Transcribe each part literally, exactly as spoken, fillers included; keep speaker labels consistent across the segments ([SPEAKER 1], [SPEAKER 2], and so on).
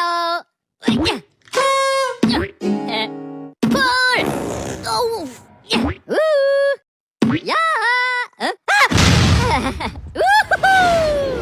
[SPEAKER 1] Hello. Eh, Pull. Oh. Ooh. Ya. Eh, ah. Woohoo.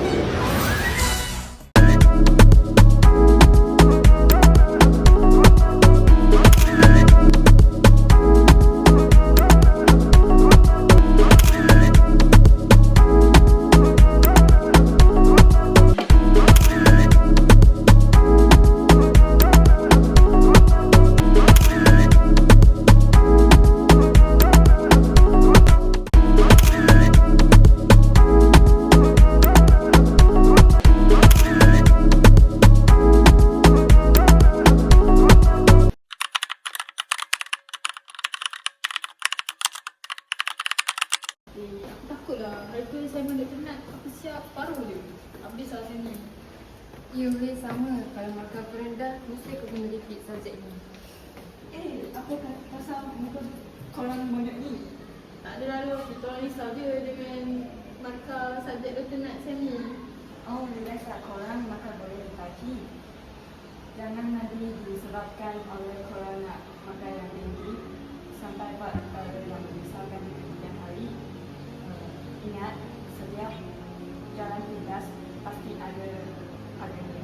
[SPEAKER 2] Eh, aku takutlah harga assignment dia penat. Aku siap separuh je. Habis lah assignment.
[SPEAKER 3] Ya boleh sama. Kalau markah aku rendah, mesti aku kena repeat subjek ni.
[SPEAKER 2] Eh, apa kata pasal muka korang banyak ni? Tak ada lalu, kita orang risau je dengan markah subjek dia penat assignment.
[SPEAKER 4] Oh, biasa korang maka boleh dikaji. Jangan nanti disebabkan oleh korang nak makan yang tinggi sampai buat perkara yang menyusahkan di kemudian hari. Uh, ingat, setiap jalan pintas pasti ada harganya.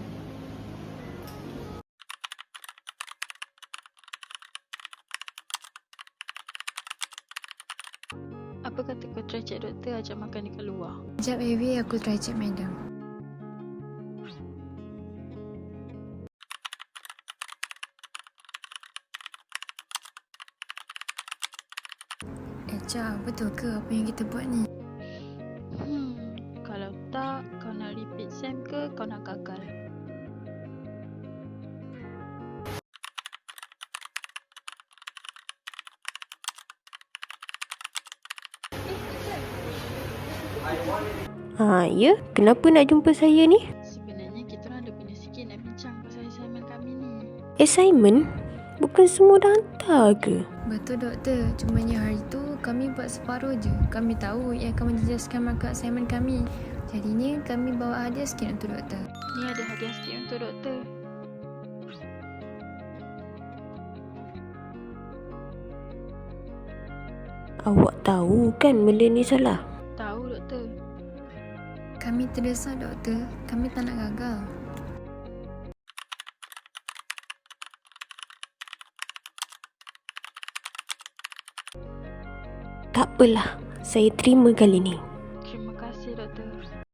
[SPEAKER 5] Apa kata kau try cek doktor ajak makan dekat luar?
[SPEAKER 3] Sekejap baby, aku try cek madam. Eh Cak, betul ke apa yang kita buat ni?
[SPEAKER 5] Hmm, kalau tak, kau nak repeat sem ke kau nak gagal?
[SPEAKER 6] Ha, ya? Kenapa nak jumpa saya ni?
[SPEAKER 5] Sebenarnya kita orang ada benda sikit nak bincang pasal assignment kami ni.
[SPEAKER 6] Assignment? Bukan semua dah hantar ke?
[SPEAKER 3] Betul doktor, cumanya hari tu kami buat separuh je. Kami tahu ia akan menjejaskan markah assignment kami. Jadinya kami bawa hadiah sikit untuk doktor.
[SPEAKER 5] Ni ada hadiah sikit untuk doktor.
[SPEAKER 6] Awak tahu kan benda ni salah?
[SPEAKER 5] Tahu doktor.
[SPEAKER 3] Kami terdesak doktor, kami tak nak gagal.
[SPEAKER 6] Tak apalah, saya terima kali ni.
[SPEAKER 5] Terima kasih doktor.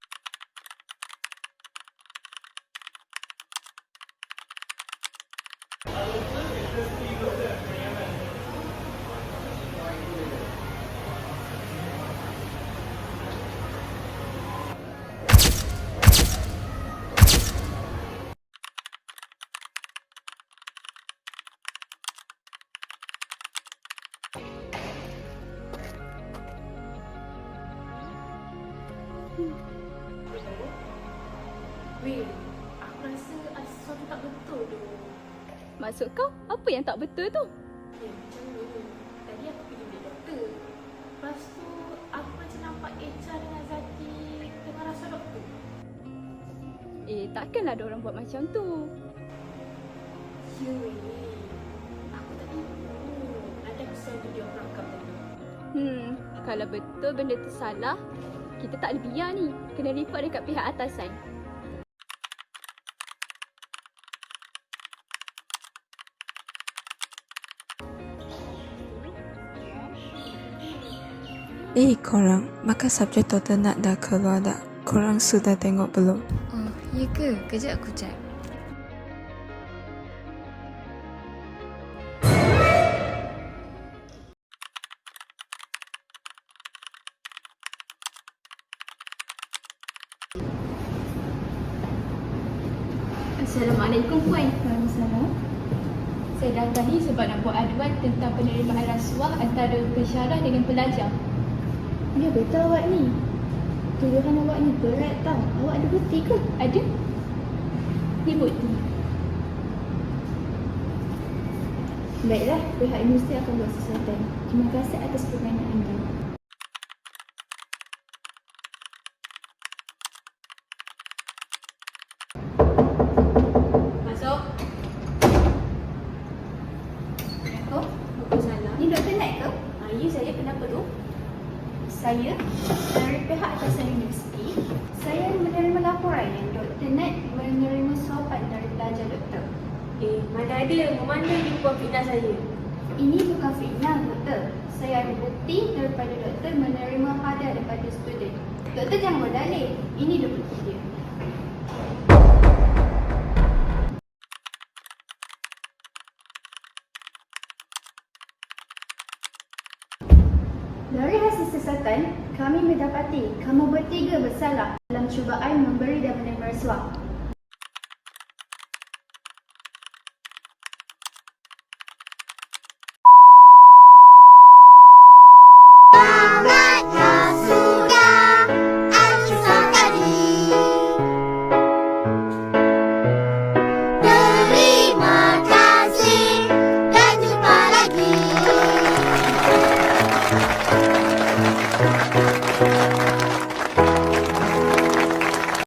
[SPEAKER 2] Weh, aku rasa ada sesuatu tak betul tu.
[SPEAKER 1] Maksud kau, apa yang tak betul tu?
[SPEAKER 2] Eh, macam ni. Tadi aku pergi bilik doktor. Lepas tu, aku macam nampak Echa dengan Zaki tengah rasa doktor.
[SPEAKER 1] Eh, takkanlah ada orang buat macam tu.
[SPEAKER 2] Ya weh, aku tak tahu. Nanti aku send video perakam tadi.
[SPEAKER 1] Hmm, kalau betul benda tu salah, kita tak boleh biar ni. Kena report dekat pihak atasan.
[SPEAKER 7] Eh korang, maka subjek total nak dah keluar dah? Korang sudah tengok belum?
[SPEAKER 3] Oh, ya ke? Kejap aku cek.
[SPEAKER 1] Assalamualaikum Puan. Waalaikumsalam. Saya datang ni sebab nak buat aduan tentang penerimaan rasuah antara pensyarah dengan pelajar. Ya betul awak ni. Tuduhan awak ni berat tau. Awak ada bukti ke? Ada. Ni bukti. Baiklah, pihak universiti akan buat sesuatu. Terima kasih atas pertanyaan anda. Masuk. saya dari pihak atasan universiti, saya menerima laporan yang Doktor Nat menerima suapan dari pelajar doktor.
[SPEAKER 6] Eh, mana ada. Memandai dia buat fitnah saya.
[SPEAKER 1] Ini bukan fitnah, doktor. Saya ada bukti daripada doktor menerima hadiah daripada student. Doktor jangan berdalih. Ini dia bukti dia. Dari hasil siasatan, kami mendapati kamu bertiga bersalah dalam cubaan memberi dan menerima rasuah.